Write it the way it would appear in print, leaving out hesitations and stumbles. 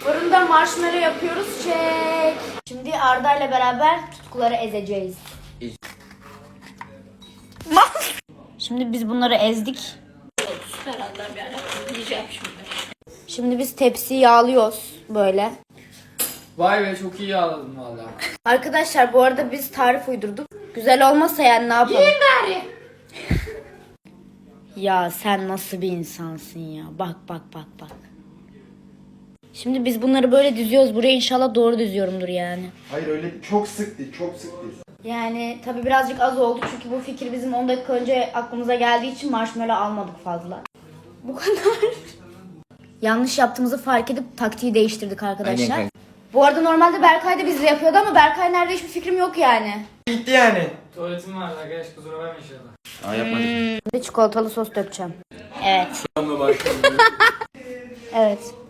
Fırında marshmallow yapıyoruz. Çek. Şimdi Arda ile beraber tutkuları ezeceğiz. Şimdi biz bunları ezdik. Şimdi biz tepsiyi yağlıyoruz böyle. Vay be, çok iyi yağladın valla. Arkadaşlar bu arada biz tarif uydurduk. Güzel olmasa yani ne yapalım? Yiyin gari. Ya sen nasıl bir insansın ya. Bak bak bak bak. Şimdi biz bunları böyle düzüyoruz. Buraya inşallah doğru düzüyorumdur yani. Hayır öyle çok sık değil, çok sık değil. Yani tabii birazcık az oldu çünkü bu fikir bizim 10 dakika önce aklımıza geldiği için marshmallow almadık fazla. Bu kadar. Yanlış yaptığımızı fark edip taktiği değiştirdik arkadaşlar. Aynen. Bu arada normalde Berkay da bizle yapıyordu ama Berkay nerede hiçbir fikrim yok yani. Gitti yani. Tuvaletim var arkadaş, kusura bakma inşallah. Aa yapmadık. Şimdi çikolatalı sos dökeceğim. Evet. Evet.